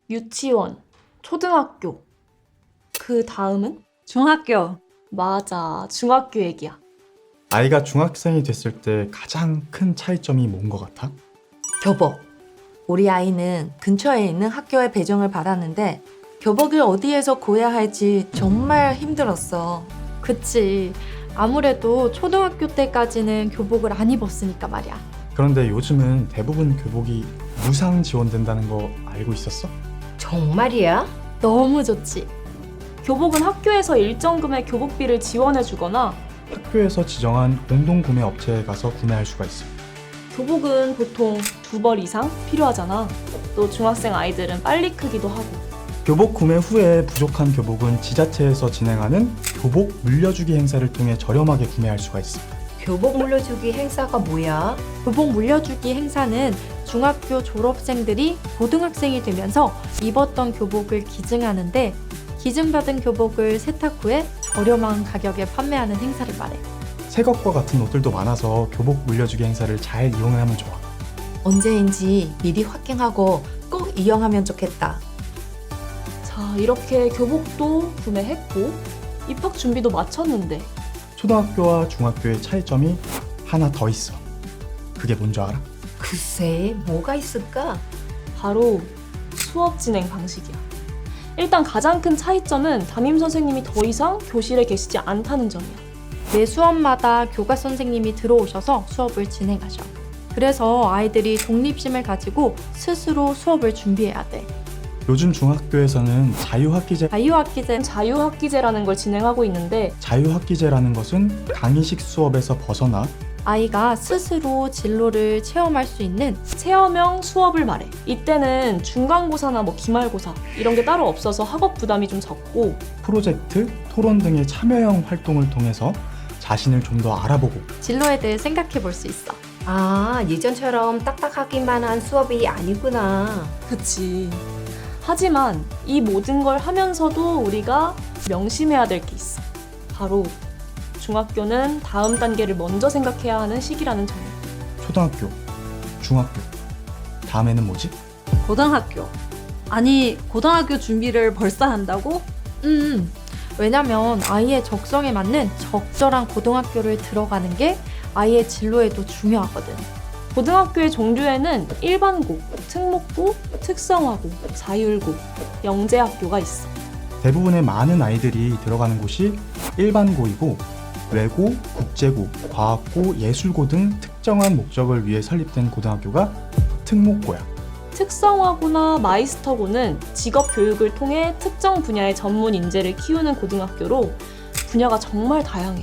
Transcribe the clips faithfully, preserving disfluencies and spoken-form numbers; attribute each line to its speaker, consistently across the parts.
Speaker 1: 유치원, 초등학교. 그 다음은?
Speaker 2: 중학교.
Speaker 1: 맞아, 중학교 얘기야.
Speaker 3: 아이가 중학생이 됐을 때 가장 큰 차이점이 뭔 것 같아?
Speaker 4: 교복. 우리 아이는 근처에 있는 학교에 배정을 받았는데 교복을 어디에서 구해야 할지 정말 힘들었어.
Speaker 1: 그치. 아무래도 초등학교 때까지는 교복을 안 입었으니까 말이야.
Speaker 3: 그런데 요즘은 대부분 교복이 무상 지원된다는 거 알고 있었어?
Speaker 5: 정말이야?
Speaker 1: 너무 좋지. 교복은 학교에서 일정 금액 교복비를 지원해주거나
Speaker 3: 학교에서 지정한 공동구매 업체에 가서 구매할 수가 있어.
Speaker 1: 교복은 보통 두 벌 이상 필요하잖아. 또 중학생 아이들은 빨리 크기도 하고.
Speaker 3: 교복 구매 후에 부족한 교복은 지자체에서 진행하는 교복 물려주기 행사를 통해 저렴하게 구매할 수가 있어.
Speaker 5: 교복 물려주기 행사가 뭐야?
Speaker 1: 교복 물려주기 행사는 중학교 졸업생들이 고등학생이 되면서 입었던 교복을 기증하는데 기증받은 교복을 세탁 후에 저렴한 가격에 판매하는 행사를 말해.
Speaker 3: 새 것과 같은 옷들도 많아서 교복 물려주기 행사를 잘 이용하면 좋아.
Speaker 4: 언제인지 미리 확인하고 꼭 이용하면 좋겠다.
Speaker 1: 자, 이렇게 교복도 구매했고 입학 준비도 마쳤는데
Speaker 3: 초등학교와 중학교의 차이점이 하나 더 있어. 그게 뭔지 알아?
Speaker 5: 글쎄, 뭐가 있을까?
Speaker 1: 바로 수업 진행 방식이야. 일단 가장 큰 차이점은 담임 선생님이 더 이상 교실에 계시지 않다는 점이야. 매 수업마다 교과 선생님이 들어오셔서 수업을 진행하셔. 그래서 아이들이 독립심을 가지고 스스로 수업을 준비해야 돼.
Speaker 3: 요즘 중학교에서는 자유학기제,
Speaker 1: 자유학기제, 자유학기제라는 걸 진행하고 있는데
Speaker 3: 자유학기제라는 것은 강의식 수업에서 벗어나
Speaker 1: 아이가 스스로 진로를 체험할 수 있는 체험형 수업을 말해. 이때는 중간고사나 뭐 기말고사 이런 게 따로 없어서 학업 부담이 좀 적고
Speaker 3: 프로젝트, 토론 등의 참여형 활동을 통해서 자신을 좀 더 알아보고
Speaker 1: 진로에 대해 생각해 볼 수 있어.
Speaker 5: 아, 예전처럼 딱딱하기만 한 수업이 아니구나.
Speaker 1: 그치. 하지만 이 모든 걸 하면서도 우리가 명심해야 될 게 있어. 바로 중학교는 다음 단계를 먼저 생각해야 하는 시기라는 점이야.
Speaker 3: 초등학교, 중학교, 다음에는 뭐지?
Speaker 2: 고등학교. 아니, 고등학교 준비를 벌써 한다고?
Speaker 1: 음, 왜냐면 아이의 적성에 맞는 적절한 고등학교를 들어가는 게 아이의 진로에도 중요하거든. 고등학교의 종류에는 일반고, 특목고, 특성화고, 자율고, 영재학교가 있어.
Speaker 3: 대부분의 많은 아이들이 들어가는 곳이 일반고이고 외고, 국제고, 과학고, 예술고 등 특정한 목적을 위해 설립된 고등학교가 특목고야.
Speaker 1: 특성화고나 마이스터고는 직업 교육을 통해 특정 분야의 전문 인재를 키우는 고등학교로 분야가 정말 다양해.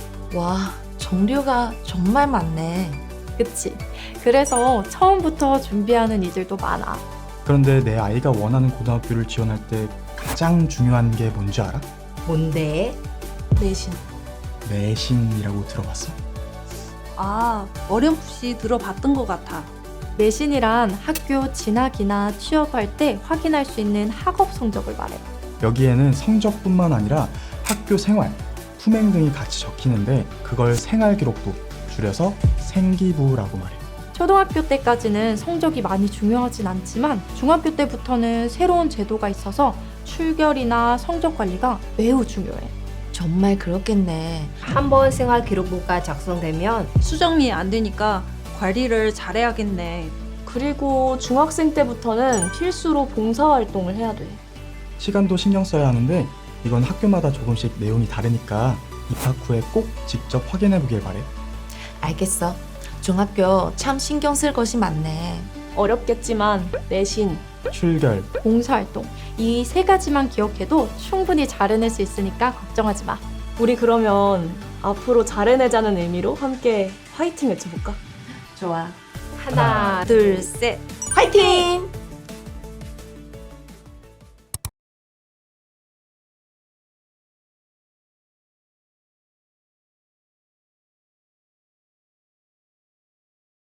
Speaker 4: 와, 종류가 정말 많네.
Speaker 1: 그치? 그래서 처음부터 준비하는 이들도 많아.
Speaker 3: 그런데 내 아이가 원하는 고등학교를 지원할 때 가장 중요한 게 뭔지 알아?
Speaker 5: 뭔데?
Speaker 1: 내신.
Speaker 3: 내신이라고 들어봤어?
Speaker 2: 아, 어렴풋이 들어봤던 것 같아.
Speaker 1: 내신이란 학교 진학이나 취업할 때 확인할 수 있는 학업 성적을 말해.
Speaker 3: 여기에는 성적뿐만 아니라 학교 생활, 품행 등이 같이 적히는데 그걸 생활기록부, 줄여서 생기부라고 말해.
Speaker 1: 초등학교 때까지는 성적이 많이 중요하진 않지만 중학교 때부터는 새로운 제도가 있어서 출결이나 성적 관리가 매우 중요해.
Speaker 4: 정말 그렇겠네.
Speaker 5: 한 번 생활 기록부가 작성되면
Speaker 2: 수정이 안 되니까 관리를 잘해야겠네.
Speaker 1: 그리고 중학생 때부터는 필수로 봉사활동을 해야 돼.
Speaker 3: 시간도 신경 써야 하는데 이건 학교마다 조금씩 내용이 다르니까 입학 후에 꼭 직접 확인해 보길 바래.
Speaker 4: 알겠어. 중학교 참 신경 쓸 것이 많네.
Speaker 1: 어렵겠지만 내신,
Speaker 3: 출결,
Speaker 1: 봉사활동 이 세 가지만 기억해도 충분히 잘 해낼 수 있으니까 걱정하지 마. 우리 그러면 앞으로 잘 해내자는 의미로 함께 화이팅 외쳐볼까?
Speaker 4: 좋아.
Speaker 5: 하나,
Speaker 2: 둘, 셋.
Speaker 4: 화이팅!